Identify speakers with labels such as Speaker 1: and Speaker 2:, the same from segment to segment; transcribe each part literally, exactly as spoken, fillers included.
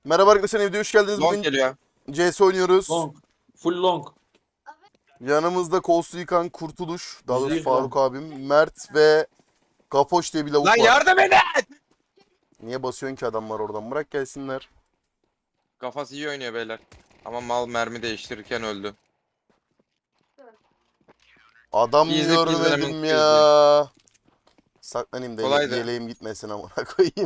Speaker 1: Merhaba arkadaşlar, evde hoş geldiniz.
Speaker 2: Long
Speaker 1: Bugün
Speaker 2: geliyor.
Speaker 1: C S oynuyoruz.
Speaker 3: Long. Full long.
Speaker 1: Yanımızda Kolsu Yıkan, Kurtuluş, daha doğrusu
Speaker 3: Yüzde yüz
Speaker 1: Faruk
Speaker 3: long.
Speaker 1: abim, Mert ve Gafoş diye bir lavuk
Speaker 2: Lan
Speaker 1: var.
Speaker 2: yardım edin!
Speaker 1: Niye basıyorsun ki adamlar oradan? Bırak gelsinler.
Speaker 2: Kafası iyi oynuyor beyler. Ama mal mermi değiştirirken öldü.
Speaker 1: Adam
Speaker 2: Easy
Speaker 1: görmedim
Speaker 2: peasy,
Speaker 1: ya. Saklanayım da
Speaker 2: Kolaydı.
Speaker 1: yeleğim gitmesin amına koyayım.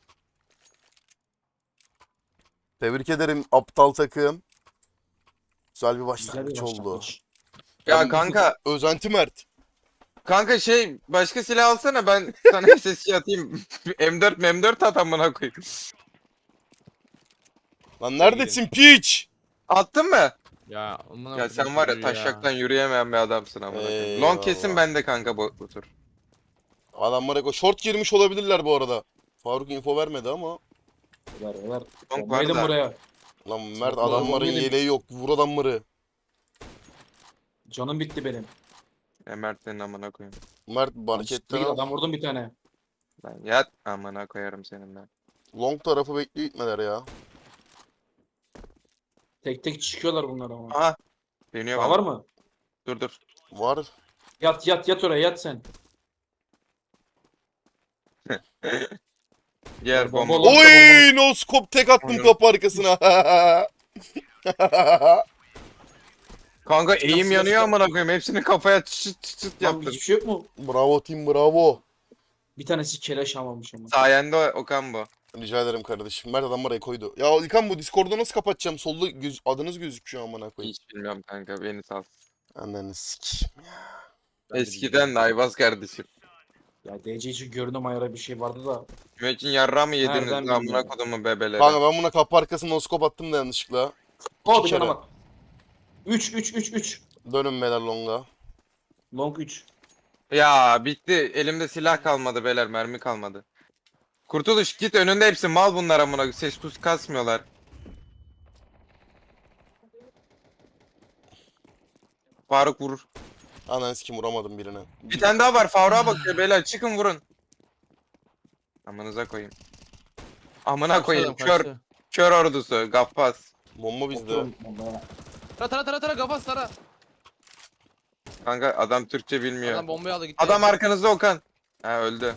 Speaker 1: Tebrik ederim aptal takım. Güzel bir
Speaker 3: Güzel
Speaker 1: başlangıç
Speaker 3: bir
Speaker 1: oldu.
Speaker 3: başlangıç.
Speaker 2: Ya kanka,
Speaker 1: Özenti Mert.
Speaker 2: kanka şey başka silah alsana ben sana S S G atayım. M dört M dört at amına koyayım.
Speaker 1: Lan neredesin piç?
Speaker 2: Attın mı?
Speaker 4: Ya amına
Speaker 2: Ya sen
Speaker 4: koydum
Speaker 2: var ya
Speaker 4: çocuğu
Speaker 2: taşaktan yürüyemeyen bir adamsın amına koyayım. Long kesin
Speaker 1: Eyvallah.
Speaker 2: bende kanka bu, bu tur.
Speaker 1: Adamlar eko short girmiş olabilirler bu arada. Faruk info vermedi ama.
Speaker 3: Ver ver.
Speaker 2: Long
Speaker 3: Bombayı
Speaker 2: var
Speaker 3: da
Speaker 2: da.
Speaker 3: buraya.
Speaker 1: Lan Mert
Speaker 3: Smoke'ları
Speaker 1: adamların
Speaker 3: bombayla-
Speaker 1: yeleği yok. Vur adamları.
Speaker 3: Canım bitti benim.
Speaker 2: Ya Mert'lerin amına koyayım.
Speaker 1: Mert
Speaker 3: Siktir
Speaker 1: marketten
Speaker 3: git,
Speaker 1: al.
Speaker 3: adam vurdum bir tane.
Speaker 2: Lan yat amına koyarım senin ben.
Speaker 1: Long tarafı bekliyor gitmeler ya.
Speaker 3: Tek tek çıkıyorlar bunlar ama.
Speaker 2: Aha. Deniyor
Speaker 3: Daha
Speaker 2: bana.
Speaker 3: var mı?
Speaker 2: Dur dur.
Speaker 1: Var.
Speaker 3: Yat yat yat oraya yat sen.
Speaker 2: Diğer
Speaker 3: Bomba
Speaker 2: bomba.
Speaker 3: olan-
Speaker 1: Oy no scope tek attım
Speaker 2: Onu-
Speaker 1: kapı arkasına.
Speaker 2: Kanka eğim
Speaker 3: Nasıl
Speaker 2: yanıyor
Speaker 3: nasıl?
Speaker 2: amına koyayım. Hepsini kafaya çıt çıt çıt
Speaker 3: Lan
Speaker 2: yaptın.
Speaker 3: hiçbir şey yok mu?
Speaker 1: Bravo team bravo.
Speaker 3: Bir tanesi keleş almamış ama.
Speaker 2: Sayende Okan bu.
Speaker 1: Rica ederim kardeşim. Mert adam oraya koydu. Ya İlkan bu Discord'u nasıl kapatacağım? Solda göz, adınız gözüküyor amına koyayım.
Speaker 2: Hiç bilmiyorum kanka beni sal.
Speaker 1: Ananı sikeyim.
Speaker 2: Eskiden de Ayvaz kardeşim.
Speaker 3: Ya D C için görünüm ayarı bir şey vardı da.
Speaker 2: Müeccin yarra mı yediniz
Speaker 3: Nereden
Speaker 2: lan amına
Speaker 3: bilmiyorum.
Speaker 2: kodumun bebeleri?
Speaker 1: Kanka ben buna kapı arkasına no scope attım da yanlışlıkla.
Speaker 3: Oh bir
Speaker 1: kere.
Speaker 3: tane bak. üç üç üç üç.
Speaker 1: Dönün beyler longa.
Speaker 3: Long üç.
Speaker 2: Ya bitti. Elimde silah kalmadı beyler mermi kalmadı. Kurtuluş git önünde hepsi mal bunlar amına koyayım. Ses tuz kasmıyorlar. Faruk vurur.
Speaker 1: Ananı sikeyim vuramadım birine.
Speaker 2: Bir tane daha var. Faruk'a bakıyor beyler. Çıkın vurun. Amanıza koyayım. Amına koyayım.
Speaker 4: Kaçtı,
Speaker 2: Kör,
Speaker 4: kaçtı.
Speaker 2: kör ordusu. Gaffas.
Speaker 1: Bomba bizde.
Speaker 3: Oturun. bombaya.
Speaker 4: Tara tara tara tara kafas tara.
Speaker 2: Kanka adam Türkçe bilmiyor.
Speaker 4: Adam
Speaker 2: Adam,
Speaker 4: bombayı aldı gitti.
Speaker 2: arkanızda Okan. Ha öldü.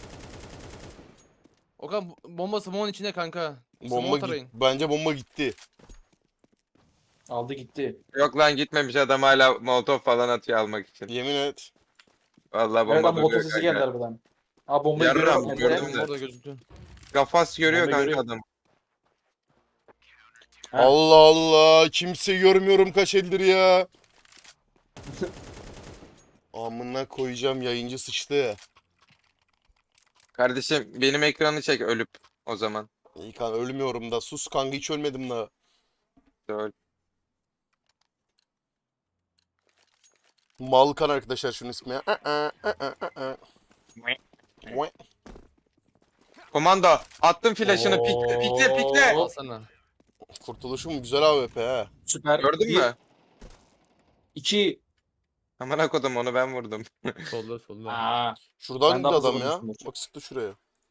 Speaker 4: Okan bomba smoke'un içinde kanka.
Speaker 1: Bomba
Speaker 4: Smoke
Speaker 1: git.
Speaker 4: tarayın.
Speaker 1: Bence bomba gitti.
Speaker 3: Aldı gitti.
Speaker 2: Yok lan gitmemiş adam hala molotof falan atıyor almak için.
Speaker 1: Yemin et.
Speaker 2: Vallahi
Speaker 3: Evet
Speaker 2: bomba
Speaker 3: ama
Speaker 2: duruyor
Speaker 3: motor sesi
Speaker 2: kanka.
Speaker 3: geldi harbiden. Aa bombayı
Speaker 2: Yarram,
Speaker 3: görüyorum. ben de.
Speaker 2: gördüm.
Speaker 4: Bomba orada gözüktü.
Speaker 2: Gafas görüyor
Speaker 3: Bomba
Speaker 2: kanka
Speaker 3: görüyor.
Speaker 2: adam.
Speaker 3: Ha.
Speaker 1: Allah Allah. Kimse görmüyorum kaç eldir ya. Amına koyacağım yayıncı sıçtı.
Speaker 2: Kardeşim benim ekranı çek ölüp o zaman.
Speaker 1: İlkan ölmüyorum da. Sus kanka hiç ölmedim da.
Speaker 2: Öl.
Speaker 1: Malkan arkadaşlar şunun ismi ya. Aa, aa, aa, aa. Vay.
Speaker 2: Komando attım flash'ını pikle pikle pikle.
Speaker 3: Oo.
Speaker 4: Al sana.
Speaker 1: Kurtuluşum güzel A W P ha.
Speaker 3: Süper.
Speaker 2: Gördün
Speaker 3: Bir,
Speaker 2: mü?
Speaker 3: İki.
Speaker 2: Amına kodum onu ben vurdum.
Speaker 4: Solda solda.
Speaker 3: Aa.
Speaker 1: Şuradan
Speaker 3: Ben
Speaker 1: gitti
Speaker 3: daha fazla
Speaker 1: adam ya.
Speaker 3: vurmuşumdur.
Speaker 1: Bak sıktı şuraya.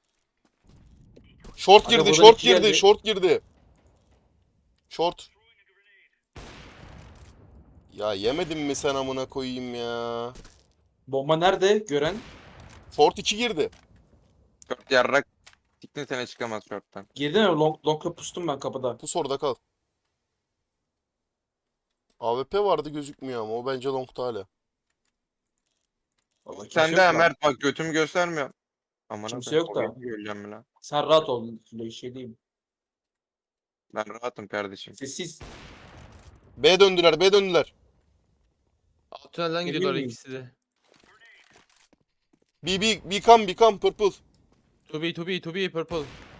Speaker 1: Short
Speaker 3: Aga
Speaker 1: girdi,
Speaker 3: buradan
Speaker 1: short
Speaker 3: iki
Speaker 1: girdi,
Speaker 3: geldi.
Speaker 1: short girdi. Short. Ya yemedin mi sen amına koyayım ya?
Speaker 3: Bomba nerede? Gören.
Speaker 1: Short iki girdi.
Speaker 2: Dört yarrak. Tiktin sene çıkamaz short'tan.
Speaker 3: Girdi mi? Long, long'a pustum ben kapıda.
Speaker 1: Pus orada kal. A W P vardı gözükmüyor ama o bence long'ta hala.
Speaker 3: Vallahi kimse
Speaker 2: Sen
Speaker 3: yok
Speaker 2: de
Speaker 3: lan.
Speaker 2: Mert bak götümü göstermiyor. Amına
Speaker 3: Kimse
Speaker 2: koyayım,
Speaker 3: yok da.
Speaker 2: oyunu göreceğim mi lan?
Speaker 3: Sen rahat ol. Öyle şey diyeyim.
Speaker 2: Ben rahatım kardeşim.
Speaker 3: Sessiz.
Speaker 1: B döndüler, B döndüler.
Speaker 4: Alt tünelden
Speaker 3: Emin
Speaker 4: gidiyorlar
Speaker 3: miyim?
Speaker 4: ikisi de.
Speaker 1: B, B, become, become, purple.
Speaker 4: To be to be to be purple.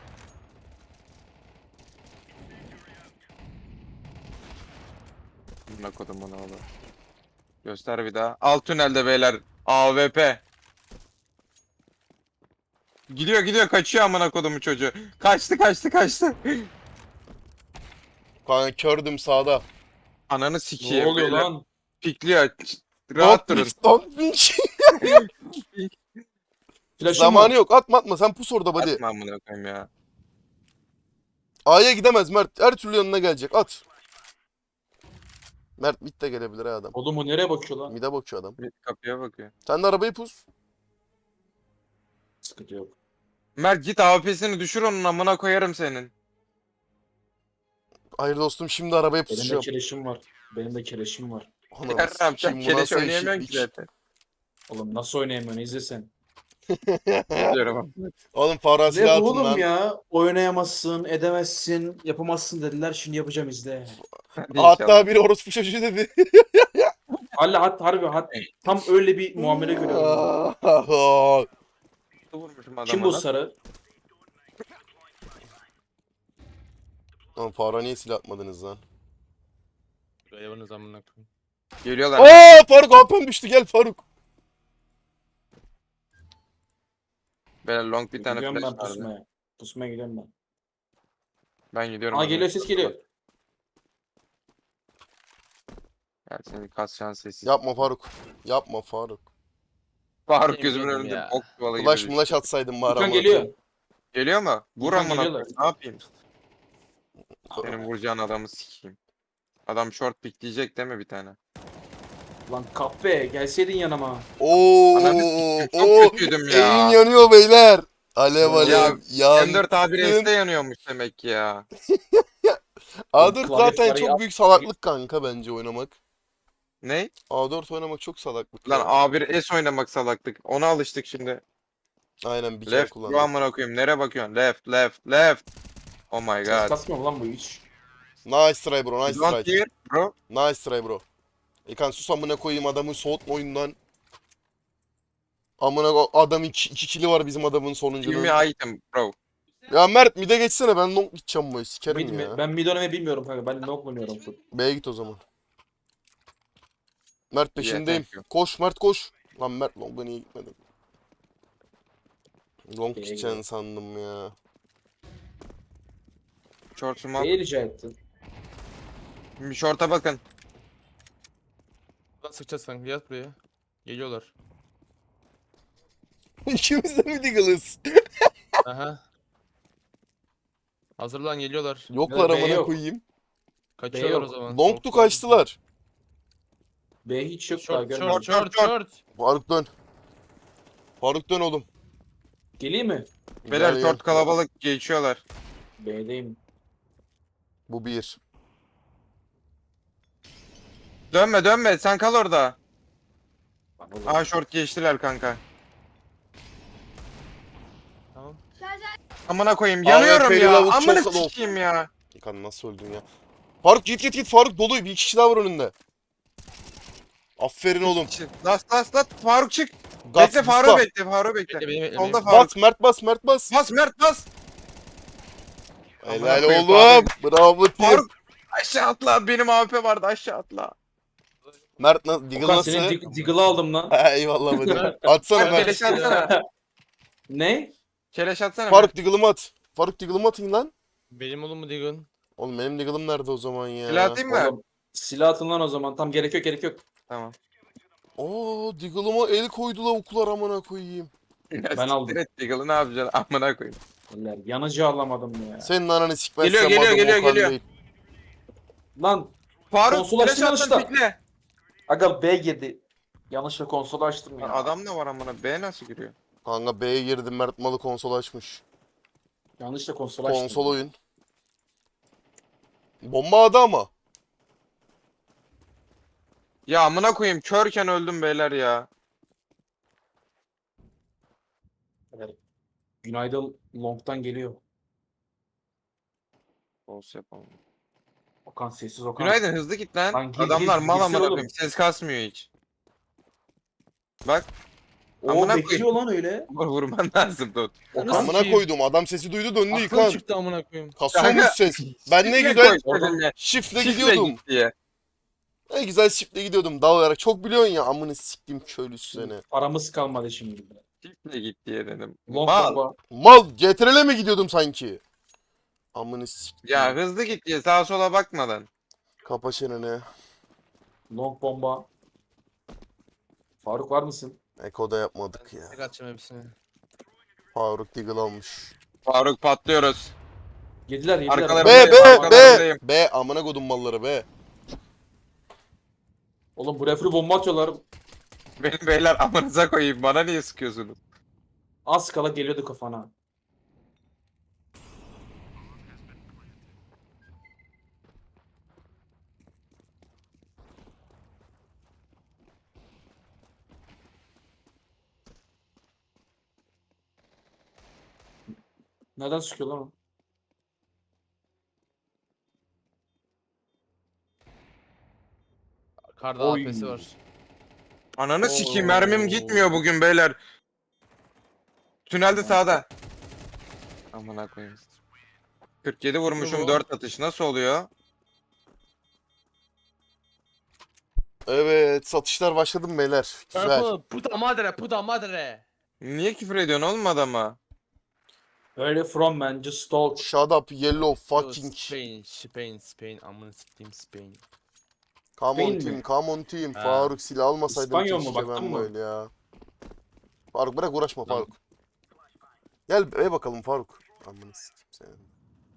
Speaker 2: Amına kodum onu oğlum. Göster bir daha. Alt tünelde beyler. A W P. Gidiyor gidiyor kaçıyor amına kodumu çocuğu. Kaçtı kaçtı kaçtı.
Speaker 1: Kanka kördüm sağda.
Speaker 2: Ananı sikeyim.
Speaker 3: Ne oluyor
Speaker 2: beyler.
Speaker 3: lan?
Speaker 2: Pikliyor. Rahat
Speaker 1: Don't
Speaker 2: durun.
Speaker 1: peek, don't peek.
Speaker 3: Flash'ım
Speaker 1: Zamanı
Speaker 3: var.
Speaker 1: yok. Atma atma. Sen pus orada buddy.
Speaker 2: Atma amına koyayım ya.
Speaker 1: A'ya gidemez Mert. Her türlü yanına gelecek. At. Mert mid de gelebilir ha adam.
Speaker 3: Oğlum o nereye bakıyor lan?
Speaker 1: Mid'e bakıyor adam.
Speaker 2: Bir kapıya bakıyor.
Speaker 1: Sen de arabayı pus.
Speaker 3: Sıkıntı yok.
Speaker 2: Mert git A W P'sini düşür onun amına koyarım senin.
Speaker 1: Hayır dostum şimdi arabayı
Speaker 3: Benim de
Speaker 1: pusacağım.
Speaker 3: keleşim var. Benim de keleşim var.
Speaker 1: Anam
Speaker 2: Yarram sen
Speaker 1: sikeyim, bu
Speaker 2: keleş
Speaker 1: nasıl
Speaker 2: oynayamıyorsun ki
Speaker 1: eşitlik?
Speaker 2: zaten.
Speaker 3: Oğlum nasıl oynayamıyorsun izle sen.
Speaker 2: Diyorum.
Speaker 1: Oğlum Farah
Speaker 3: Ne
Speaker 1: silah atın
Speaker 3: oğlum
Speaker 1: lan.
Speaker 3: ya? Oynayamazsın, edemezsin, yapamazsın dediler. Şimdi yapacağım izle.
Speaker 2: Hadi
Speaker 1: Hatta
Speaker 2: inşallah.
Speaker 1: biri orospu çocuğu dedi.
Speaker 3: Hala hat harbi hat. Tam öyle bir muamele görüyorum.
Speaker 2: Vurmuşum adama
Speaker 3: Kim bu
Speaker 2: lan.
Speaker 3: sarı?
Speaker 1: Lan Farah niye silah atmadınız lan?
Speaker 4: Hayvanız amına koyayım.
Speaker 2: Geliyorlar.
Speaker 1: Aa Faruk A P'm düştü gel Faruk.
Speaker 2: Böyle long bir tane
Speaker 3: Gidiyorum
Speaker 2: flash
Speaker 3: ben
Speaker 2: vardı.
Speaker 3: pusmaya. Pusmaya gidiyorum ben.
Speaker 2: Ben gidiyorum.
Speaker 3: Aa
Speaker 2: abi.
Speaker 3: geliyor ses geliyor.
Speaker 2: Gel seni kas şans sessiz.
Speaker 1: Yapma Faruk. Yapma Faruk.
Speaker 2: Faruk
Speaker 4: Yemin
Speaker 2: gözümün
Speaker 4: ederim
Speaker 2: önünde
Speaker 4: ya.
Speaker 2: bok çuvalı gibi
Speaker 1: Flash
Speaker 2: düştü.
Speaker 1: mulaş atsaydın bari
Speaker 3: Furkan
Speaker 1: amına
Speaker 3: geliyor.
Speaker 1: koyayım.
Speaker 2: Geliyor mu? Vur
Speaker 3: Furkan
Speaker 2: amına
Speaker 3: geliyorlar.
Speaker 2: koyayım. Ne yapayım? Senin vuracağın adamı sikeyim. Adam short pikleyecek değil mi bir tane?
Speaker 3: Lan kahpe gelseydin yanıma.
Speaker 1: Oo,
Speaker 2: Ananı sikeyim, çok
Speaker 1: oo,
Speaker 2: kötüydüm
Speaker 1: eğim
Speaker 2: ya.
Speaker 1: yanıyor beyler. Alev alev.
Speaker 2: Ya,
Speaker 1: Yan.
Speaker 2: M dört A bir S'te yanıyormuş demek ki ya.
Speaker 1: A dört
Speaker 3: Klavye
Speaker 1: zaten
Speaker 3: parayı
Speaker 1: çok
Speaker 3: at-
Speaker 1: büyük salaklık kanka bence oynamak.
Speaker 2: Ne?
Speaker 1: A dört oynamak çok salaklık.
Speaker 2: Lan
Speaker 1: ya.
Speaker 2: A bir S oynamak salaklık. Ona alıştık şimdi.
Speaker 1: Aynen bir kere
Speaker 2: Left bu
Speaker 1: kullandım.
Speaker 2: amına koyayım. Nereye bakıyorsun? Left, left, left. Oh my
Speaker 3: Ses
Speaker 2: god.
Speaker 3: kasmıyor mu lan bu hiç?
Speaker 1: Nice try bro, nice
Speaker 2: Don't
Speaker 1: try.
Speaker 2: hear bro.
Speaker 1: Nice try bro. İkan sus amına koyayım adamı soğutma oyundan. Amına ko- adam iki, iki kili var bizim adamın
Speaker 2: Give
Speaker 1: sonuncunun.
Speaker 2: me item bro.
Speaker 1: Ya Mert mid'e geçsene ben long gideceğim bu
Speaker 3: Mid
Speaker 1: sikerim
Speaker 3: mi?
Speaker 1: ya.
Speaker 3: Ben mid oynamayı bilmiyorum kanka. Ben nok oynuyorum full.
Speaker 1: B'ye git o zaman. Mert peşindeyim.
Speaker 2: thank you.
Speaker 1: Koş Mert koş. Lan Mert long'a niye gitmedin? Long
Speaker 3: B'ye
Speaker 1: gideceksin
Speaker 3: gidelim.
Speaker 1: sandım ya.
Speaker 2: Short'uma.
Speaker 3: Neyi rica ettin?
Speaker 2: Bir short'a bakın.
Speaker 4: Lan sıkacağız kanka yat buraya. Geliyorlar.
Speaker 1: İkimiz de mi Diggle'ız?
Speaker 4: Aha.
Speaker 1: Yoklar
Speaker 4: Hazırlan geliyorlar.
Speaker 3: Ya, B
Speaker 1: amına
Speaker 3: yok.
Speaker 1: koyayım.
Speaker 4: Kaçıyorlar o
Speaker 3: yok.
Speaker 4: zaman.
Speaker 1: Long'tu
Speaker 4: Korktum.
Speaker 1: kaçtılar.
Speaker 3: B hiç yok daha
Speaker 4: Short
Speaker 3: görmedim.
Speaker 4: short short short.
Speaker 1: Faruk dön. Faruk dön oğlum.
Speaker 3: Geleyim mi?
Speaker 2: Beyler
Speaker 1: Gel,
Speaker 2: short
Speaker 1: gel.
Speaker 2: kalabalık geçiyorlar.
Speaker 3: B'deyim.
Speaker 1: Bu bir.
Speaker 2: Dönme dönme sen kal orada.
Speaker 3: Lan oğlum.
Speaker 2: Aa short geçtiler kanka.
Speaker 4: Tamam.
Speaker 2: Amına koyayım
Speaker 1: A W
Speaker 2: yanıyorum
Speaker 1: P'li
Speaker 2: ya.
Speaker 1: lavuk
Speaker 2: Amına
Speaker 1: çok low.
Speaker 2: sikeyim ya.
Speaker 1: İkan nasıl öldün ya? Faruk git git git Faruk dolu bir kişi daha var önünde. Aferin oğlum.
Speaker 2: Last last last Faruk çık.
Speaker 1: Gaz,
Speaker 2: bekle
Speaker 1: Mustafa.
Speaker 2: Faruk bekle Faruk bekle.
Speaker 4: Bekle, benim- benim-
Speaker 2: Solda Faruk.
Speaker 1: Bas Mert bas Mert bas.
Speaker 2: Bas Mert bas.
Speaker 1: Helal
Speaker 2: koyayım,
Speaker 1: oğlum. Bravo team.
Speaker 2: Faruk aşağı atla. Benim A W P vardı aşağı atla.
Speaker 1: Mert nasıl? Diggle
Speaker 3: Okan
Speaker 1: nasıl?
Speaker 3: senin dig- Diggle'ı aldım lan.
Speaker 1: Ha, eyvallah hadi. Atsana
Speaker 2: Faruk
Speaker 1: Mert.
Speaker 2: keleş atsana.
Speaker 3: Ne?
Speaker 2: Keleş atsana.
Speaker 1: Faruk Diggle'ımı at. Faruk Diggle'ımı atın lan.
Speaker 4: Benim oğlum mu Digon?
Speaker 1: Oğlum benim Diggle'ım nerede o zaman ya?
Speaker 2: Silah atayım mı?
Speaker 3: Oğlum silah atın lan o zaman. Tam gerek yok gerek yok.
Speaker 2: Tamam.
Speaker 1: Oo Diggle'ıma el koydu lavuklar amına koyayım.
Speaker 2: Ben
Speaker 3: aldım.
Speaker 2: Diggle'ı ne yapacaksın? Amına koyayım.
Speaker 3: Eller yanıcı alamadım ya.
Speaker 1: Senin ananı sikmezsem
Speaker 2: Geliyor, geliyor,
Speaker 1: adım
Speaker 2: geliyor,
Speaker 1: Okan
Speaker 2: geliyor.
Speaker 1: değil.
Speaker 3: Lan
Speaker 2: Faruk
Speaker 3: Konsol
Speaker 2: flash
Speaker 3: açtın
Speaker 2: attın
Speaker 3: yanlışla.
Speaker 2: pikle.
Speaker 3: aga B girdi. Yanlışla konsolu açtım ya.
Speaker 2: Lan adam ne var amına? B nasıl giriyor?
Speaker 1: Kanka B'ye girdim Mert malı konsol açmış.
Speaker 3: Yanlışla konsol açtım.
Speaker 1: Konsol oyun. Bomba adı ama.
Speaker 2: Ya amına koyayım körken öldüm beyler ya.
Speaker 3: Evet. Günaydın long'tan geliyor.
Speaker 2: Olsun yapalım.
Speaker 3: Okan sessiz Okan.
Speaker 2: Günaydın hızlı git lan.
Speaker 3: Lan gir,
Speaker 2: Adamlar
Speaker 3: gir,
Speaker 2: mal
Speaker 3: girsene
Speaker 2: amına
Speaker 3: oğlum.
Speaker 2: koyayım. Ses kasmıyor hiç. Bak.
Speaker 3: O
Speaker 2: Amına
Speaker 3: bekliyor lan öyle.
Speaker 2: Vur vurman lazım dur.
Speaker 3: Okan
Speaker 4: Nasıl
Speaker 1: Amına
Speaker 4: sikeyim?
Speaker 1: koydum adam sesi duydu döndü
Speaker 4: Aklım
Speaker 1: yıkan.
Speaker 4: çıktı amına koyayım.
Speaker 1: Kasıyormuş
Speaker 2: Kanka,
Speaker 1: ses. Ben ne
Speaker 2: Şifre
Speaker 1: güzel
Speaker 2: koy seninle.
Speaker 1: şifle
Speaker 2: Şifre
Speaker 1: gidiyordum.
Speaker 2: git diye.
Speaker 1: Ne güzel şifle gidiyordum dal olarak. Çok biliyorsun ya amını siktim köylüsü seni.
Speaker 3: Paramız kalmadı şimdi.
Speaker 2: Şifre git diye dedim.
Speaker 3: Long
Speaker 2: Mal.
Speaker 3: bomba.
Speaker 1: Mal C T R L'e mi gidiyordum sanki? Amını siktim.
Speaker 2: Ya hızlı git diye sağa sola bakmadan.
Speaker 1: Kapa çeneni.
Speaker 3: Long bomba. Faruk var mısın?
Speaker 1: Eko da yapmadık ya.
Speaker 4: Tek atacağım hepsini.
Speaker 1: Faruk Diggle almış.
Speaker 2: Faruk patlıyoruz.
Speaker 3: Yediler yediler.
Speaker 2: Arkalarında-
Speaker 1: B B
Speaker 2: Arkalarındayım.
Speaker 1: B B amına kodum malları B.
Speaker 3: Oğlum bu refri bomba atıyorlar.
Speaker 2: Benim beyler amanıza koyayım. Bana niye sıkıyorsunuz?
Speaker 3: Az kala geliyordu kafana. Nereden sıkıyor lan o?
Speaker 4: Karda
Speaker 3: Oy.
Speaker 4: A P'si var.
Speaker 2: Ananı sikeyim,
Speaker 4: Oo.
Speaker 2: mermim gitmiyor bugün beyler. Tünelde sağda. Amına koyayım. kırk yedi vurmuşum,
Speaker 4: Bu.
Speaker 2: dört atış nasıl oluyor?
Speaker 1: Evet satışlar başladı mı beyler? Güzel.
Speaker 4: Purple, puta madre, puta madre.
Speaker 2: Niye küfür ediyorsun oğlum adama?
Speaker 3: Where you from man? Just talk.
Speaker 1: Shut up yellow fucking.
Speaker 4: Spain, Spain, Spain. Amına sikeyim Spain.
Speaker 1: Come on
Speaker 3: Spain
Speaker 1: team,
Speaker 3: mi?
Speaker 1: come on team.
Speaker 4: Ha.
Speaker 1: Faruk silah almasaydım
Speaker 3: İspanyol mu?
Speaker 1: keşke
Speaker 3: Baktın
Speaker 1: ben
Speaker 3: mı?
Speaker 1: böyle ya. Faruk bırak uğraşma
Speaker 4: Lan.
Speaker 1: Faruk. Gel eve bakalım Faruk. Amına sikeyim seni.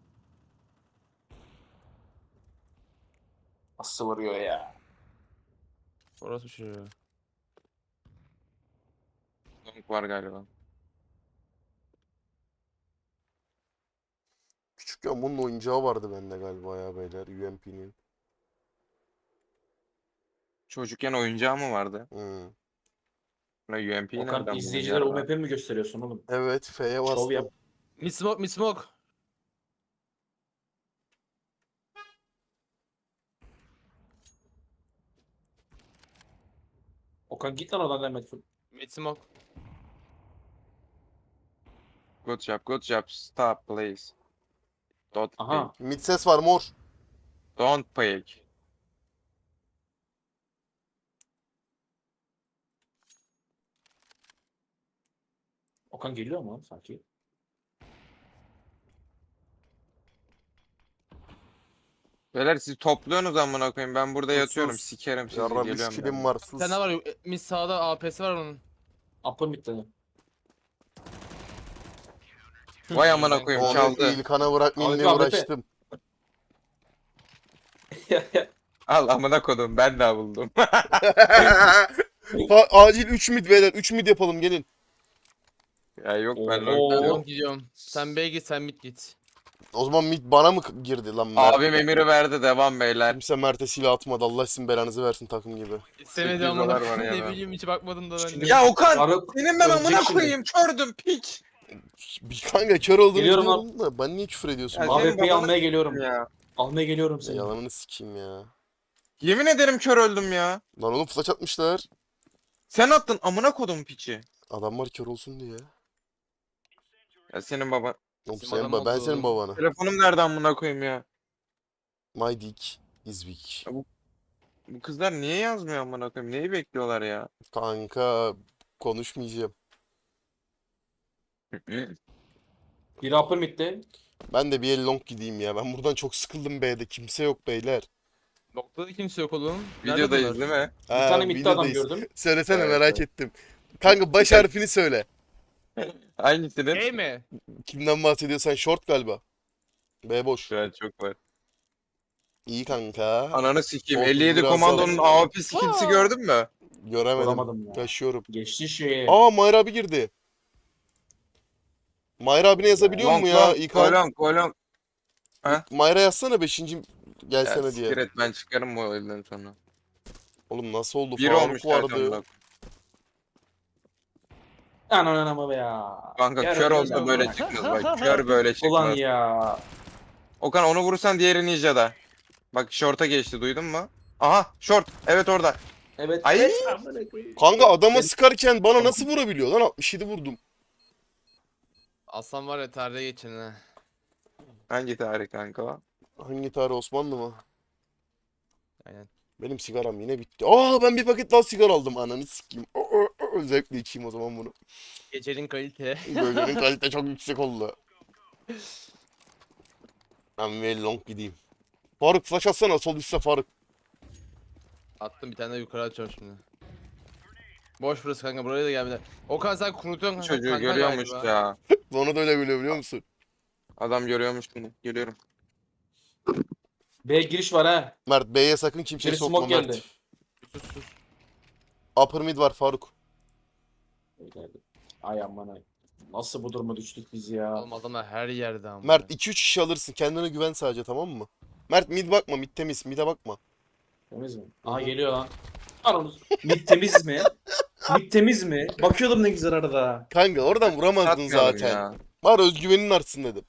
Speaker 3: Nasıl vuruyor ya?
Speaker 4: Orası bir şey.
Speaker 2: Donk var galiba.
Speaker 1: Küçükken bunun oyuncağı vardı bende galiba ya beyler. U M P'nin.
Speaker 2: Çocukken oyuncağı mı vardı?
Speaker 1: Hmm.
Speaker 2: Ne U M P'yi nereden
Speaker 3: Okan
Speaker 2: buldun
Speaker 3: izleyicilere
Speaker 2: ya?
Speaker 3: U M P mi gösteriyorsun oğlum?
Speaker 1: Evet F'ye
Speaker 3: Şov
Speaker 1: bastım.
Speaker 3: yap.
Speaker 4: Mid smoke, mid smoke.
Speaker 3: Okan git lan oradan Mehmet.
Speaker 4: Mid smoke.
Speaker 2: Good job, good job. Stop please. Don't
Speaker 3: Aha.
Speaker 2: peek.
Speaker 1: Mid ses var mor.
Speaker 2: Don't peek.
Speaker 3: Okan geliyor mu sanki?
Speaker 2: Beyler siz topluyorsunuz amına koyayım. Ben burada
Speaker 1: Sus,
Speaker 2: yatıyorum.
Speaker 1: sus.
Speaker 2: Sikerim sizi.
Speaker 1: Yarram üç
Speaker 2: Geliyorum
Speaker 1: kilim
Speaker 2: ben.
Speaker 1: var
Speaker 4: Bir
Speaker 1: sus.
Speaker 4: tane var. e, Mid sağda A P'si var onun.
Speaker 3: Upper mid'de.
Speaker 2: Vay amına koyayım,
Speaker 1: Onu
Speaker 2: çaldı.
Speaker 1: İlkan'a bırakmayayım diye
Speaker 3: Abi, abi,
Speaker 1: uğraştım.
Speaker 2: Al amına kodum, ben de buldum.
Speaker 1: Fa- Acil üç mid beyler. üç mid yapalım gelin.
Speaker 2: Ya yok ben
Speaker 3: Oo.
Speaker 4: Ben
Speaker 2: long-
Speaker 4: long gidiyorum. Sen B git, sen mid git.
Speaker 1: O zaman mid bana mı girdi lan Mert?
Speaker 2: Abim emiri verdi, devam beyler.
Speaker 1: Kimse Mert'e silah atmadı. Allah sizin belanızı versin takım gibi.
Speaker 4: İstemedi
Speaker 2: sekiz
Speaker 4: amına.
Speaker 2: dolar var ya
Speaker 4: Ne
Speaker 2: ben.
Speaker 4: bileyim hiç bakmadım da ben.
Speaker 3: Şimdi-
Speaker 4: de.
Speaker 2: Ya Okan,
Speaker 3: Faruk,
Speaker 2: senin ben
Speaker 3: ölecek
Speaker 2: amına
Speaker 3: şimdi.
Speaker 2: koyayım, kördüm piç.
Speaker 1: Bir kanka kör olduğunu
Speaker 3: Geliyorum
Speaker 1: biliyorum da ben niye küfür ediyorsun?
Speaker 2: Ya
Speaker 1: bana?
Speaker 2: senin
Speaker 3: A W P'yi
Speaker 2: babanı
Speaker 3: almaya geliyorum.
Speaker 2: Ya.
Speaker 3: Almaya geliyorum
Speaker 1: Ya
Speaker 3: seni.
Speaker 1: yalanını sikeyim ya.
Speaker 2: Yemin ederim kör öldüm ya.
Speaker 1: Lan oğlum flash atmışlar.
Speaker 2: Sen attın amına kodum piçi.
Speaker 1: Adamlar kör olsun diye.
Speaker 2: Ya senin baban.
Speaker 1: Oğlum
Speaker 4: Bizim
Speaker 1: sen
Speaker 4: adam
Speaker 1: ba- ben
Speaker 4: oldu
Speaker 1: senin
Speaker 4: oğlum.
Speaker 1: babana.
Speaker 2: Telefonum nerede amına koyayım ya?
Speaker 1: My dick is big.
Speaker 2: Bu kızlar niye yazmıyor amına koyayım? Neyi bekliyorlar ya?
Speaker 1: Kanka konuşmayacağım.
Speaker 3: Biri upper mid'de.
Speaker 1: Ben de bir el long gideyim ya. Ben buradan çok sıkıldım B'de. Kimse yok beyler.
Speaker 4: Noktada kimse yok oğlum. Nerede
Speaker 2: Videodayız
Speaker 4: bunlar?
Speaker 2: değil mi?
Speaker 3: Bir tane mid'de adam
Speaker 1: videodayız.
Speaker 3: gördüm.
Speaker 1: Söylesene
Speaker 2: Evet,
Speaker 1: merak
Speaker 2: evet.
Speaker 1: ettim. Kanka baş harfini söyle.
Speaker 2: Hangisinin?
Speaker 4: A mi?
Speaker 1: Kimden bahsediyorsan short galiba. B boş.
Speaker 2: Şu an çok var.
Speaker 1: İyi kanka.
Speaker 2: Ananı sikeyim.
Speaker 1: Oldu,
Speaker 2: elli yedi
Speaker 1: biraz
Speaker 2: komandonun
Speaker 1: daha-
Speaker 2: A W P skills'i gördün mü?
Speaker 1: Göremedim.
Speaker 3: Vuramadım ya.
Speaker 1: Taşıyorum.
Speaker 3: Geçti şey.
Speaker 1: Aa Mayra abi girdi. Mayra abine yazabiliyor mu ya? İlkan.
Speaker 2: Kolon kolon.
Speaker 1: Mayra yazsana beşinci
Speaker 2: Ya
Speaker 1: gelsene diye.
Speaker 2: siktir et, ben çıkarım bu elden sonra.
Speaker 1: Oğlum nasıl oldu?
Speaker 2: Bir
Speaker 1: Faruk
Speaker 2: olmuş zaten
Speaker 1: vardı.
Speaker 2: bak.
Speaker 3: Ananama be ya.
Speaker 2: Kanka
Speaker 3: Yarın
Speaker 2: kör
Speaker 3: öyle
Speaker 2: olsa böyle
Speaker 3: ama.
Speaker 2: çıkmaz bak. Kör böyle çıkmaz.
Speaker 3: Ulan ya.
Speaker 2: Okan onu vurursan diğeri ninja'da. Bak short'a geçti, duydun mu? Aha short. Evet orada.
Speaker 3: Evet.
Speaker 2: Ay.
Speaker 3: evet.
Speaker 1: Kanka adama
Speaker 3: Ben-
Speaker 1: sıkarken bana nasıl vurabiliyor lan? altmış yedi vurdum.
Speaker 4: Aslan var ya tarihe geçen ha.
Speaker 2: Hangi tarih kanka o?
Speaker 1: Hangi tarih Osmanlı mı?
Speaker 4: Aynen.
Speaker 1: Benim sigaram yine bitti. Aa ben bir paket daha sigara aldım. Ananı sikeyim. Aa, aa, aa. Zevkle içeyim o zaman bunu.
Speaker 4: Gecenin kalite.
Speaker 1: Bölgenin kalite çok yüksek oldu. Ben bir long gideyim. Faruk flash atsana sol üstte Faruk.
Speaker 4: Attım bir tane de yukarı açıyorum şimdi. Boş burası kanka, buraya da gelmediler. Okan sen kurutuyorsun kanka.
Speaker 2: Çocuğu
Speaker 4: kanka
Speaker 2: görüyormuş
Speaker 4: galiba.
Speaker 2: ya.
Speaker 1: Bana da öyle geliyor biliyor musun?
Speaker 2: Adam görüyormuş bunu. Görüyorum.
Speaker 3: B giriş var ha.
Speaker 1: Mert B'ye sakın kimseyi
Speaker 3: Biri
Speaker 1: sokma
Speaker 3: smoke
Speaker 1: Mert.
Speaker 3: geldi.
Speaker 4: Sus sus.
Speaker 1: Upper mid var Faruk.
Speaker 3: Ay aman ay. Nasıl bu duruma düştük biz ya?
Speaker 4: Oğlum adamlar her yerde ama.
Speaker 1: Mert iki üç kişi alırsın. Kendine güven sadece, tamam mı? Mert mid bakma, mid temiz. Mid'e bakma.
Speaker 3: Temiz mi?
Speaker 1: Hı
Speaker 3: Aha
Speaker 1: hı.
Speaker 3: geliyor lan. Anamız. Mid temiz mi? Mid temiz mi? Bakıyordum ne güzel arada.
Speaker 1: Kanka oradan vuramazdın
Speaker 2: Satmayalım
Speaker 1: zaten.
Speaker 2: ya.
Speaker 1: Var özgüvenin artsın dedim.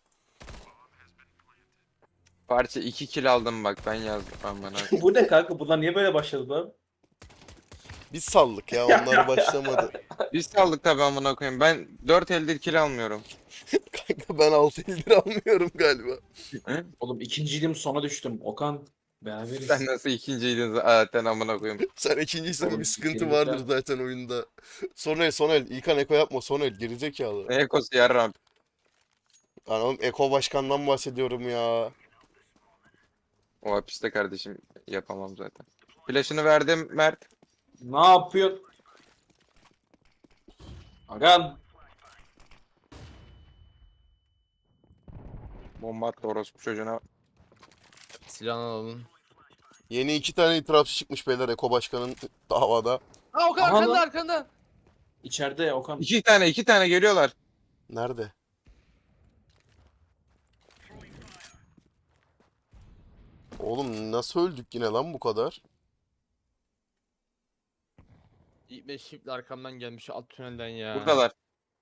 Speaker 2: Parça iki kill aldım bak ben yazdım. Aman abi.
Speaker 3: Bu ne kanka? Bunlar niye böyle başladı lan?
Speaker 1: Biz sallık ya, onlar başlamadı.
Speaker 2: Biz saldık tabii amına koyayım. Ben dört eldir kill almıyorum.
Speaker 1: Kanka ben altı eldir almıyorum galiba.
Speaker 3: Oğlum ikinciydim sona düştüm. Okan beraberiz.
Speaker 2: Sen nasıl ikinciydin zaten amına koyayım.
Speaker 1: Sen ikinciysen
Speaker 3: Oğlum,
Speaker 1: bir sıkıntı
Speaker 3: geri
Speaker 1: vardır
Speaker 3: gel.
Speaker 1: zaten oyunda. Son el, son el. İlkan eko yapma, son el. Gerizekalı.
Speaker 2: Ne ekosu yarram.
Speaker 1: Lan oğlum Eko Başkan'dan bahsediyorum ya.
Speaker 2: O hapiste kardeşim yapamam zaten. Flash'ını verdim Mert.
Speaker 3: Ne yapıyorsun? Agan.
Speaker 2: Bomba attı orospu çocuğuna.
Speaker 4: Silahını alın.
Speaker 1: Yeni iki tane itirafçı çıkmış beyler Eko Başkan'ın davada.
Speaker 4: Aa Okan
Speaker 3: Aha
Speaker 4: arkanda
Speaker 3: lan.
Speaker 4: arkanda.
Speaker 3: İçeride Okan.
Speaker 2: İki tane iki tane geliyorlar.
Speaker 1: Nerede? Oğlum nasıl öldük yine lan bu kadar?
Speaker 4: İlk beş shift arkamdan gelmiş alt tünelden ya.
Speaker 2: Buradalar.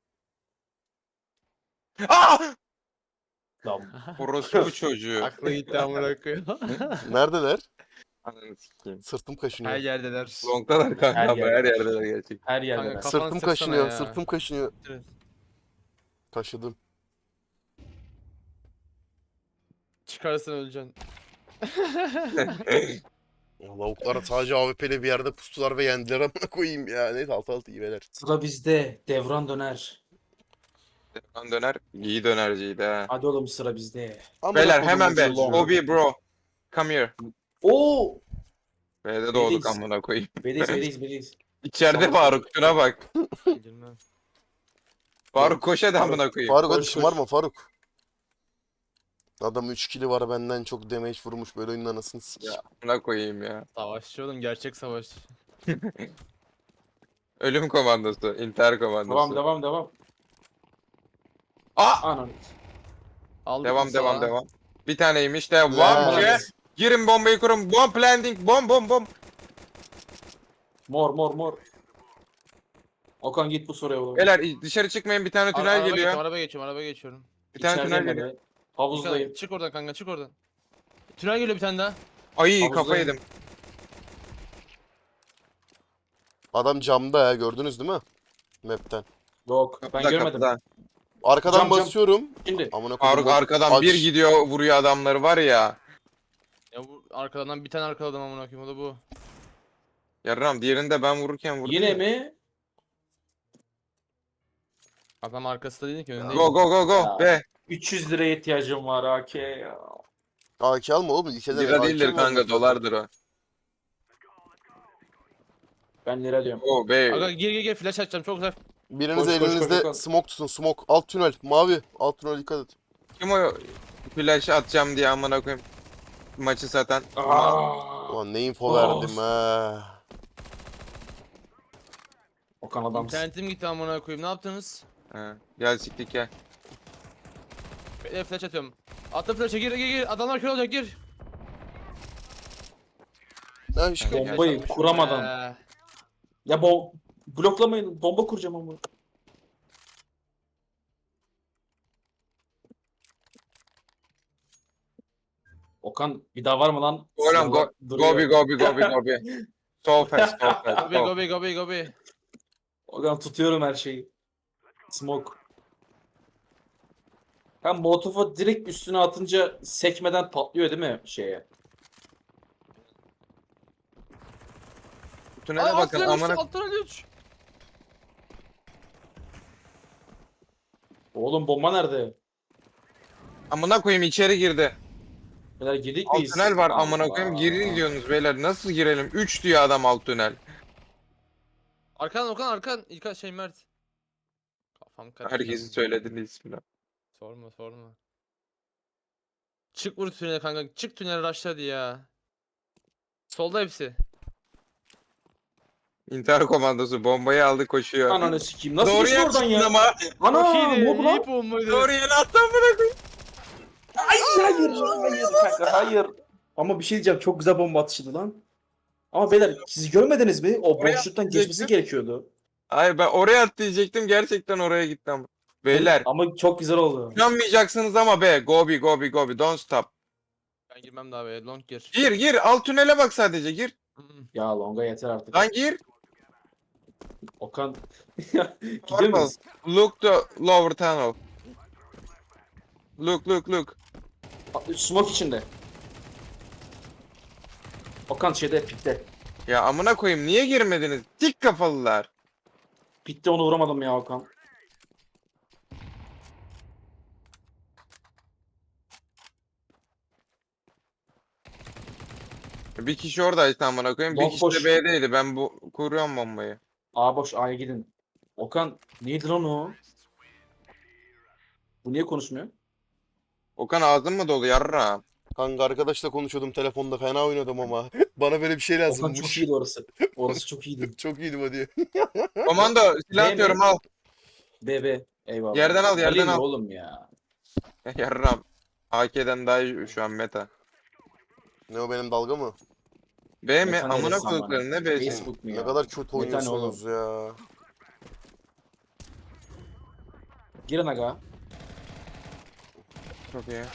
Speaker 2: Aa!
Speaker 3: Lan.
Speaker 2: Orospu çocuğu.
Speaker 4: Aklı gitti amına koyayım.
Speaker 1: Neredeler?
Speaker 2: Ananı sikeyim.
Speaker 1: Sırtım
Speaker 4: Her
Speaker 1: kaşınıyor.
Speaker 4: yerdeler.
Speaker 2: Long'dalar kanka
Speaker 3: Her
Speaker 2: ama her
Speaker 3: yerde.
Speaker 2: yerdeler gerçek.
Speaker 3: Her yerde.
Speaker 4: Kanka,
Speaker 3: lan.
Speaker 4: kafanı
Speaker 1: Sırtım
Speaker 4: sıksana
Speaker 1: kaşınıyor,
Speaker 4: ya.
Speaker 1: sırtım kaşınıyor.
Speaker 4: Evet.
Speaker 1: Kaşıdım.
Speaker 4: Çıkarsan öleceksin.
Speaker 1: Ya lavuklar sadece A W P'li bir yerde pustular ve yendiler amına koyayım ya. Neyse altı altı iyi beyler.
Speaker 3: Sıra bizde. Devran döner.
Speaker 2: Devran döner. İyi dönerciydi ha.
Speaker 3: Hadi oğlum sıra bizde.
Speaker 1: Amına
Speaker 2: Beyler
Speaker 1: koydum
Speaker 2: hemen be.
Speaker 1: çocuğu.
Speaker 2: Obi bro. Come here.
Speaker 3: Oo!
Speaker 2: B'de doğduk
Speaker 3: B'deyiz.
Speaker 2: amına koyayım.
Speaker 3: Beliz beliz beliz.
Speaker 2: İçeride
Speaker 3: Salak.
Speaker 2: Faruk şuna bak.
Speaker 4: Girmem.
Speaker 2: Faruk koş hadi
Speaker 3: Faruk,
Speaker 2: amına koyayım.
Speaker 1: Faruk hadi
Speaker 3: Koş,
Speaker 1: şımarma Faruk. Adam üç kili var benden çok damage vurmuş böyle oyunun anasını sikeyim.
Speaker 2: Ya amına koyayım ya.
Speaker 4: Savaşçı oğlum gerçek savaşçı.
Speaker 2: Ölüm komandosu, intihar
Speaker 3: Devam
Speaker 2: komandosu.
Speaker 3: devam devam.
Speaker 2: Aa!
Speaker 3: Anam.
Speaker 4: Aldık
Speaker 2: Devam
Speaker 4: mı
Speaker 2: devam
Speaker 4: sağa?
Speaker 2: devam. Bir taneymiş devam.
Speaker 1: Lan.
Speaker 2: Ki. Girin bombayı kurun. Bomb landing. Bom bom bom.
Speaker 3: Mor mor mor. Okan git bu soruya oğlum.
Speaker 2: Beyler dışarı çıkmayın bir tane
Speaker 4: Ara-
Speaker 2: tünel
Speaker 4: araba
Speaker 2: geliyor.
Speaker 4: geçiyorum, araba geçiyorum, araba geçiyorum.
Speaker 2: Bir tane tünel
Speaker 3: İçerideyim
Speaker 2: geliyor.
Speaker 3: ben. Havuzdayım.
Speaker 4: Çık oradan kanka, çık oradan. Tünel geliyor bir tane daha.
Speaker 2: Ay
Speaker 3: Havuzdayım.
Speaker 2: kafa yedim.
Speaker 1: Adam camda ya, gördünüz değil mi? Map'ten.
Speaker 3: Yok ben
Speaker 2: Kapıda,
Speaker 3: görmedim.
Speaker 2: kapıda.
Speaker 1: Arkadan
Speaker 3: Cam, cam.
Speaker 1: basıyorum.
Speaker 3: Şimdi.
Speaker 1: Amına koydum.
Speaker 2: Faruk
Speaker 1: bak-
Speaker 2: arkadan
Speaker 1: aç.
Speaker 2: bir gidiyor vuruyor adamları var ya.
Speaker 4: Ya bu arkadan bir tane arkaladım amına koyayım, o da bu.
Speaker 2: Yarram diğerini de ben vururken vurdum.
Speaker 3: Yine
Speaker 2: ya.
Speaker 3: mi?
Speaker 4: Adam arkasında değil ki, önündeydi.
Speaker 2: Go go go go
Speaker 3: Ya.
Speaker 2: be.
Speaker 3: üç yüz liraya ihtiyacım var A K ya.
Speaker 1: A K alma oğlum. İlkeden
Speaker 2: Lira
Speaker 1: A K
Speaker 2: değildir
Speaker 1: mi
Speaker 2: kanka
Speaker 1: alacaksın?
Speaker 2: dolardır o.
Speaker 3: Ben lira diyorum.
Speaker 2: O be.
Speaker 4: Aga gir gir gir, flash açacağım çok güzel.
Speaker 1: Biriniz
Speaker 3: Koş, koş, koş,
Speaker 1: elinizde
Speaker 3: koş.
Speaker 1: smoke tutun, smoke. Alt tünel, mavi. Alt tünel dikkat et.
Speaker 2: Kim o flash atacağım diye amına koyayım. Maçı satan.
Speaker 3: Aa.
Speaker 1: Ulan ne info
Speaker 3: Of.
Speaker 1: verdim ha.
Speaker 3: Okan adam.
Speaker 4: İnternetim gitti amına koyayım, ne yaptınız?
Speaker 2: Ha, gel siktik gel.
Speaker 4: Bekle, flash atıyorum. Attım flash'a, gir gir gir, adamlar kör olacak, gir.
Speaker 1: Ha, şu-
Speaker 2: Gel.
Speaker 3: Bombayı kuramadan.
Speaker 4: Ee,
Speaker 3: Ya bo bloklamayın. Bomba kuracağım ama. Okan bir daha var mı lan?
Speaker 2: Oğlum go,
Speaker 3: Duruyor.
Speaker 2: gobi gobi gobi gobi. So fast so fast.
Speaker 4: Gobi
Speaker 2: so.
Speaker 4: gobi gobi gobi.
Speaker 3: Okan tutuyorum her şeyi. Smoke. Ben molotofu direkt üstüne atınca sekmeden patlıyor değil mi şeye?
Speaker 2: Tünele bakın amına.
Speaker 4: Alttan üç.
Speaker 3: Oğlum bomba nerede?
Speaker 2: Amına koyayım içeri girdi.
Speaker 3: Beyler girdik
Speaker 2: Alt
Speaker 3: miyiz?
Speaker 2: tünel var amına
Speaker 3: Allah.
Speaker 2: koyayım. Geri diyorsunuz beyler. Nasıl girelim? üç diyor adam alt tünel.
Speaker 4: Arkan Okan, arkan. İlk şey Mert. Kafam karıştı.
Speaker 2: Herkesi söyledin ismini.
Speaker 4: Sorma sorma. Çık vur tünele kanka. Çık tünele rushladı ya. Solda hepsi.
Speaker 2: İntihar komandosu bombayı aldı koşuyor.
Speaker 3: Ananı sikeyim. Nasıl
Speaker 2: Doğru
Speaker 3: geçti oradan
Speaker 2: yaptın
Speaker 3: ya?
Speaker 2: ama.
Speaker 3: Ana
Speaker 4: Çok iyiydi.
Speaker 3: mob lan.
Speaker 4: İyi bombaydı.
Speaker 2: Doğru yere attın bırakın.
Speaker 3: Hayır hayır kanka hayır. Ama bir şey diyeceğim, çok güzel bomba atışıydı lan. Ama beyler siz görmediniz mi? O
Speaker 2: Oraya
Speaker 3: boşluktan
Speaker 2: atlayacaktım.
Speaker 3: geçmesi gerekiyordu.
Speaker 2: Hayır ben oraya at diyecektim gerçekten oraya gittim. Beyler
Speaker 3: Ama çok güzel oldu.
Speaker 2: inanmayacaksınız ama be. Go be go be go be don't stop.
Speaker 4: Ben girmem daha be. Long gir.
Speaker 2: Gir gir alt tünele bak sadece gir.
Speaker 4: Hmm.
Speaker 3: Ya longa yeter artık.
Speaker 2: Lan gir.
Speaker 3: Okan. Gidiyor muyuz?
Speaker 2: Look the lower tunnel. Look look look.
Speaker 3: Smoke içinde. Okan şeyde pitte.
Speaker 2: Ya amına koyayım niye girmediniz? Dik kafalılar.
Speaker 3: Pitte onu vuramadım ya Okan.
Speaker 2: Bir kişi oradaydı amına koyayım. Bir
Speaker 3: Long
Speaker 2: kişi
Speaker 3: boş.
Speaker 2: de B'deydi. Ben bu kuruyorum bombayı.
Speaker 3: A boş, A'ya gidin. Okan neydi lan o? Bu niye konuşmuyor?
Speaker 2: Okan ağzın mı dolu yarra?
Speaker 1: Kanka arkadaşla konuşuyordum telefonda, fena oynadım ama. Bana böyle bir şey
Speaker 3: Okan
Speaker 1: lazımmış.
Speaker 3: çok iyiydi orası. Orası çok iyiydi.
Speaker 1: Çok iyiydi bu diyor.
Speaker 2: Komando silah
Speaker 3: Ne,
Speaker 2: atıyorum
Speaker 3: ne?
Speaker 2: al.
Speaker 3: B B. Eyvallah.
Speaker 2: Yerden al, yerden
Speaker 3: Alayım
Speaker 2: al.
Speaker 3: oğlum ya.
Speaker 2: Yarram. A K'den daha iyi şu an meta.
Speaker 1: Ne o, benim dalga mı?
Speaker 2: B mi?
Speaker 3: Meta
Speaker 2: Amına
Speaker 3: neresi amına?
Speaker 2: koyduklarım ne B'si?
Speaker 3: Facebook mu ya?
Speaker 1: Ne kadar kötü
Speaker 3: Meta ne
Speaker 1: oynuyorsunuz ya.
Speaker 3: Girin aga.
Speaker 2: Çok iyi.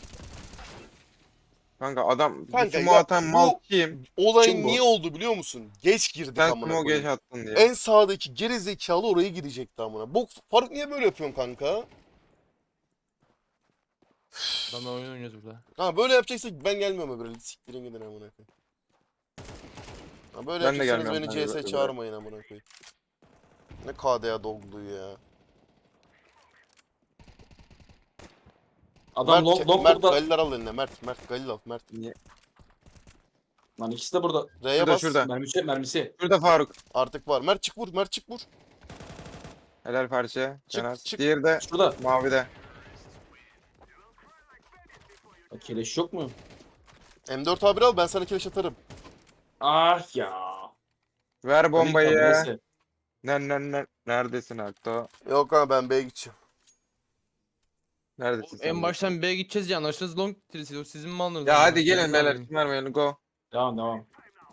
Speaker 2: Kanka adam
Speaker 1: Kanka
Speaker 2: Kanka,
Speaker 1: ya,
Speaker 2: atan
Speaker 1: bu-
Speaker 2: mal kim?
Speaker 1: Olay
Speaker 3: Kim bu?
Speaker 1: niye oldu biliyor musun? Geç girdik
Speaker 2: Sen
Speaker 1: amına
Speaker 2: smoke geç
Speaker 1: koyayım.
Speaker 2: attın diye.
Speaker 1: En sağdaki geri zekalı oraya gidecekti amına. Bok Faruk niye böyle yapıyorsun kanka?
Speaker 4: Adamla oyun oynuyoruz burada.
Speaker 1: Ha böyle yapacaksak ben gelmiyorum öbürü. Siktirin gidin amına koyayım. Ha böyle
Speaker 2: Ben de
Speaker 1: yapacaksanız
Speaker 2: gelmiyorum
Speaker 1: beni
Speaker 2: kanka,
Speaker 1: C S
Speaker 2: böyle.
Speaker 1: çağırmayın amına koyayım. Ne K D A doglu ya.
Speaker 3: Adam long,
Speaker 1: Mert,
Speaker 3: long
Speaker 1: Mert
Speaker 3: burada.
Speaker 1: Galil al eline. Mert, Mert Galil al. Mert.
Speaker 3: Lan ikisi de burada.
Speaker 1: R'ye
Speaker 2: Şurada
Speaker 1: bas.
Speaker 2: şurada.
Speaker 3: Mermisi, mermisi.
Speaker 2: Şurada Faruk.
Speaker 1: Artık var. Mert çık vur. Mert çık vur.
Speaker 2: Helal parça.
Speaker 1: Çık,
Speaker 2: Çık,
Speaker 1: çık.
Speaker 2: Diğeri de
Speaker 3: Şurada.
Speaker 2: mavide.
Speaker 3: Ya, keleş yok mu?
Speaker 1: M dört A bir al, ben sana keleş atarım.
Speaker 3: Ah ya.
Speaker 2: Ver bombayı.
Speaker 3: Tamam, neyse.
Speaker 2: Ne ne ne neredesin Akto?
Speaker 1: Yok ama ben B'ye gideceğim.
Speaker 2: Neredesin sen?
Speaker 4: En baştan B'ye gideceğiz ya. Anlaşılırız long tirisi. Sizin mi alınız?
Speaker 2: Ya hadi gelin beyler. Kim vermeyin go.
Speaker 3: Devam devam.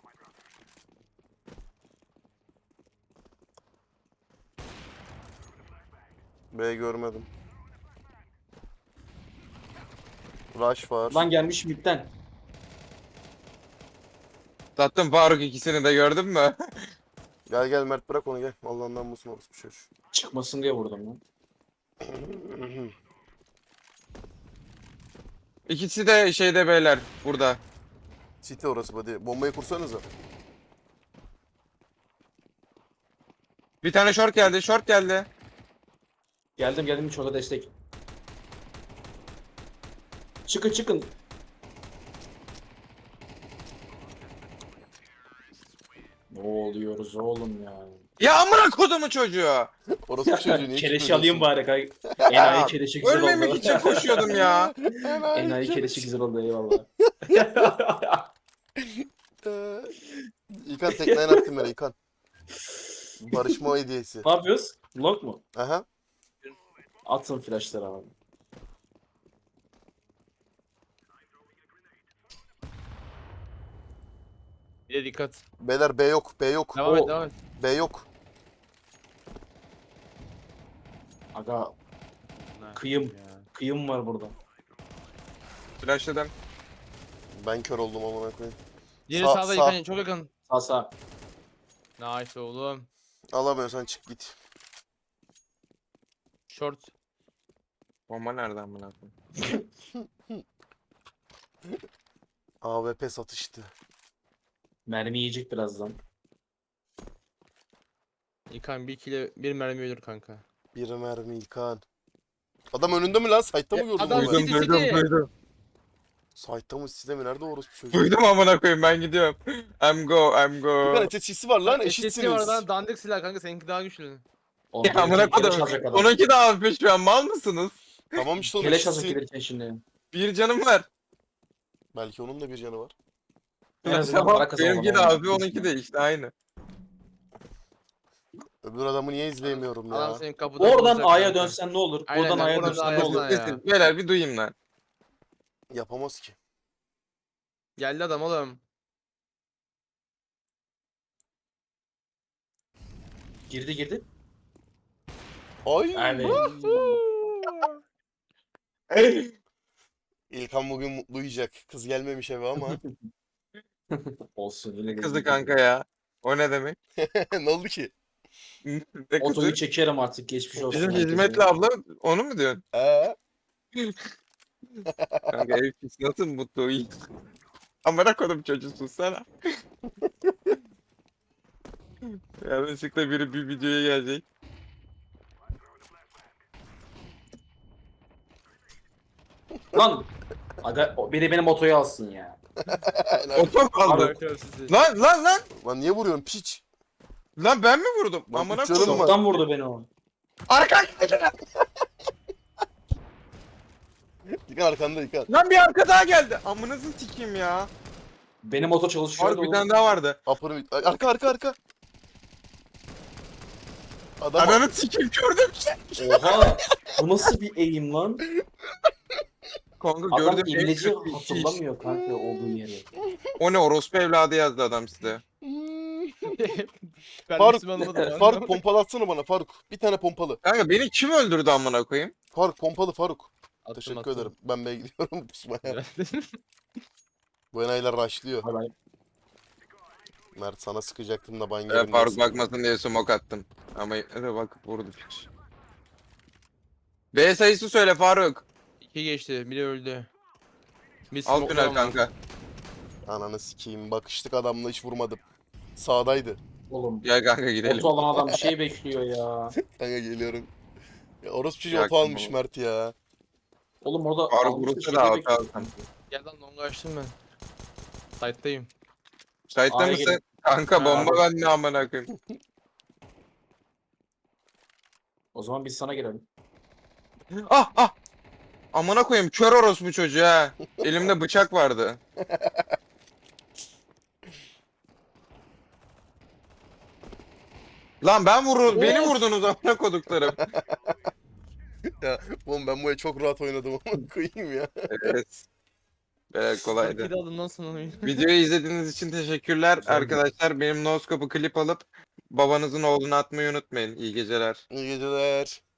Speaker 1: B görmedim. Rush var.
Speaker 3: Lan gelmiş midden.
Speaker 2: Sattım Faruk ikisini de gördün mü?
Speaker 1: Gel gel Mert, bırak onu gel. Allah'ından musun orası bir şey.
Speaker 3: Çıkmasın diye vurdum lan.
Speaker 2: İkisi de şeyde beyler burada.
Speaker 1: City orası buddy. Bombayı kursanıza.
Speaker 2: Bir tane short geldi, short geldi.
Speaker 3: Geldim geldim hiç orada destek. Çıkın çıkın. Ne oluyoruz oğlum ya?
Speaker 2: Ya amına kodumu çocuğu.
Speaker 1: Orası bir çocuğu niye
Speaker 3: Keleş
Speaker 1: küfür
Speaker 3: alayım
Speaker 1: ediyorsun?
Speaker 3: bari kay. Enayi keleşi güzel oldu.
Speaker 2: Ölmemek için koşuyordum ya.
Speaker 3: Enayi keleşi güzel oldu eyvallah.
Speaker 1: Ee, İlkan tekneyen attım ben İlkan. Barışma hediyesi.
Speaker 3: Ne yapıyoruz? Lock mu?
Speaker 1: Aha.
Speaker 3: Atın flashları abi.
Speaker 4: Bir de dikkat.
Speaker 1: Beyler B yok. B yok.
Speaker 4: Devam
Speaker 3: O-
Speaker 4: et devam et.
Speaker 1: B yok.
Speaker 3: Aga Kıyım. kıyım var burada.
Speaker 2: Flashladım.
Speaker 1: Ben kör oldum amına koyayım.
Speaker 4: Diğeri
Speaker 1: Sağ-
Speaker 4: sağda
Speaker 1: sağ.
Speaker 4: yıkan çok yakın.
Speaker 3: Sağ sağ.
Speaker 4: Nice oğlum.
Speaker 1: Alamıyorsan çık git.
Speaker 4: Short.
Speaker 2: Bomba nereden amına koyayım?
Speaker 1: A W P satıştı.
Speaker 3: Mermi yiyecek birazdan.
Speaker 4: Yıkan bir kile bir mermi ölür kanka.
Speaker 1: Bir mermi İlkan. Adam önünde mi lan? Site'ta mı
Speaker 4: Ya,
Speaker 1: gördün
Speaker 4: adam
Speaker 1: onu?
Speaker 4: City,
Speaker 2: Duydum, duydum,
Speaker 4: City.
Speaker 2: duydum.
Speaker 1: Site'ta mı City'de mi? Nerede orası çocuğu?
Speaker 2: Duydum amına koyayım ben gidiyorum. I'm go, I'm go.
Speaker 1: İlkan eteçisi var lan,
Speaker 4: S S D var
Speaker 1: eşitsiniz.
Speaker 4: lan dandik silah kanka seninki daha güçlü.
Speaker 3: Oğlum,
Speaker 2: Ya amına
Speaker 3: gelirken keleş
Speaker 2: koydum.
Speaker 3: alacak adam.
Speaker 2: Onunki de almış şu an mal mısınız?
Speaker 1: Tamam işte onun
Speaker 3: Keleş alacak
Speaker 1: eşitsi.
Speaker 3: gelirken şimdi.
Speaker 2: Bir canım var.
Speaker 1: Belki onun da bir canı var.
Speaker 3: En azından
Speaker 2: Tamam,
Speaker 3: para kazanalım.
Speaker 2: benimki de abi onunki de işte aynı.
Speaker 1: Öbür adamı niye izleyemiyorum
Speaker 4: Adam
Speaker 1: ya?
Speaker 4: senin kapıda
Speaker 3: Oradan
Speaker 4: bulacak
Speaker 3: A'ya
Speaker 4: kanka.
Speaker 3: dönsen ne olur?
Speaker 4: Aynen
Speaker 3: Buradan
Speaker 4: lan,
Speaker 3: A'ya
Speaker 4: buradan
Speaker 3: dönsen ne
Speaker 4: A'ya
Speaker 3: olur?
Speaker 4: dön.
Speaker 2: Desin, beyler bir duyayım lan.
Speaker 1: Yapamaz ki.
Speaker 4: Geldi adam oğlum.
Speaker 3: Girdi girdi.
Speaker 1: Ay.
Speaker 3: Evet.
Speaker 1: İlkan bugün mutlu uyuyacak. Kız gelmemiş eve ama.
Speaker 3: Olsun öyle
Speaker 2: Kızı kanka ya. O ne demek?
Speaker 1: Ne oldu ki?
Speaker 2: Ne kızı?
Speaker 3: Otoyu çekerim artık geçmiş olsun.
Speaker 2: Bizim
Speaker 3: herkese.
Speaker 2: hizmetli abla onu mu diyorsun?
Speaker 1: Ee?
Speaker 2: Kanka ev pis nasıl mutlu uyuyor? Amına kodum çocuğu sussana. Yanlışlıkla biri bir videoya gelecek.
Speaker 3: Lan. Aga, o- biri benim otoyu alsın ya.
Speaker 2: Otom kaldı.
Speaker 4: Bakıyorum sizi.
Speaker 2: Lan lan lan.
Speaker 1: Lan niye vuruyorsun piç?
Speaker 2: Lan ben mi vurdum?
Speaker 1: Lan
Speaker 2: Amına
Speaker 1: üç canım
Speaker 2: kodum.
Speaker 1: var.
Speaker 3: Çoktan vurdu beni o.
Speaker 2: Arka.
Speaker 1: İlkan arkanda İlkan.
Speaker 2: Lan bir arka daha geldi. Amınızı sikeyim ya.
Speaker 3: Benim oto çalışıyor.
Speaker 2: Abi bir tane daha vardı.
Speaker 1: Upper mid. Ay, Arka arka arka. Adam
Speaker 2: Ananı sikeyim gördüm şey.
Speaker 3: Oha. Bu nasıl bir eğim lan?
Speaker 2: Kanka
Speaker 3: Adam
Speaker 2: gördüm. en
Speaker 3: imleci
Speaker 2: kötü iş.
Speaker 3: hatırlamıyor kanka olduğu yeri.
Speaker 2: O ne orospu evladı yazdı adam size.
Speaker 4: Ben
Speaker 1: Faruk,
Speaker 4: Müslüman olmadım.
Speaker 1: Faruk pompalatsana bana Faruk. Bir tane pompalı.
Speaker 2: Kanka beni kim öldürdü amına koyayım?
Speaker 1: Faruk pompalı Faruk.
Speaker 4: Attım,
Speaker 1: Teşekkür
Speaker 4: attım.
Speaker 1: ederim. Ben B'ye gidiyorum pusmaya.
Speaker 4: Evet.
Speaker 1: Bu enayiler rushlıyor.
Speaker 3: Hay bay.
Speaker 1: Mert sana sıkacaktım da ban
Speaker 2: Ee,
Speaker 1: yerim.
Speaker 2: Faruk
Speaker 1: dersin.
Speaker 2: bakmasın diye smoke attım. Ama evet bakıp vurdu piç. B sayısı söyle Faruk.
Speaker 4: İki geçti. Biri öldü. Bir
Speaker 2: Alt
Speaker 4: smoke
Speaker 2: tünel
Speaker 4: ama.
Speaker 2: kanka.
Speaker 1: Ananı sikeyim. Bakıştık adamla hiç vurmadım. Sağdaydı.
Speaker 3: Oğlum.
Speaker 2: Gel kanka gidelim.
Speaker 3: Oto alan adam bir şey bekliyor ya.
Speaker 1: Kanka geliyorum. Ya orospu çocuğu
Speaker 2: Ya
Speaker 1: oto almış
Speaker 2: kim
Speaker 1: Mert ya.
Speaker 3: Oğlum orada
Speaker 2: Faruk
Speaker 3: almıştı,
Speaker 2: vurursa
Speaker 3: şeyi
Speaker 2: da hata
Speaker 3: bekliyor.
Speaker 2: alsam.
Speaker 4: Gel lan longa açtım ben. Site'dayım.
Speaker 2: Şahitler
Speaker 3: A'ya
Speaker 2: misin?
Speaker 3: gelin.
Speaker 2: Kanka
Speaker 3: Ha,
Speaker 2: bomba
Speaker 3: abi.
Speaker 2: ben ne amına koyayım.
Speaker 3: O zaman biz sana girelim.
Speaker 2: Ah ah. Amına koyayım kör orospu çocuğu ha. Elimde bıçak vardı. Lan ben vurur, beni
Speaker 3: Of.
Speaker 2: vurdunuz amına koduklarım.
Speaker 1: Ya oğlum ben bu el çok rahat oynadım ama koyayım ya.
Speaker 2: Evet. Evet kolaydı.
Speaker 4: Kedi aldım lan sana oyunu.
Speaker 2: Videoyu izlediğiniz için teşekkürler
Speaker 3: Güzel.
Speaker 2: arkadaşlar. Benim noskop'u klip alıp babanızın oğluna atmayı unutmayın. İyi geceler.
Speaker 1: İyi geceler.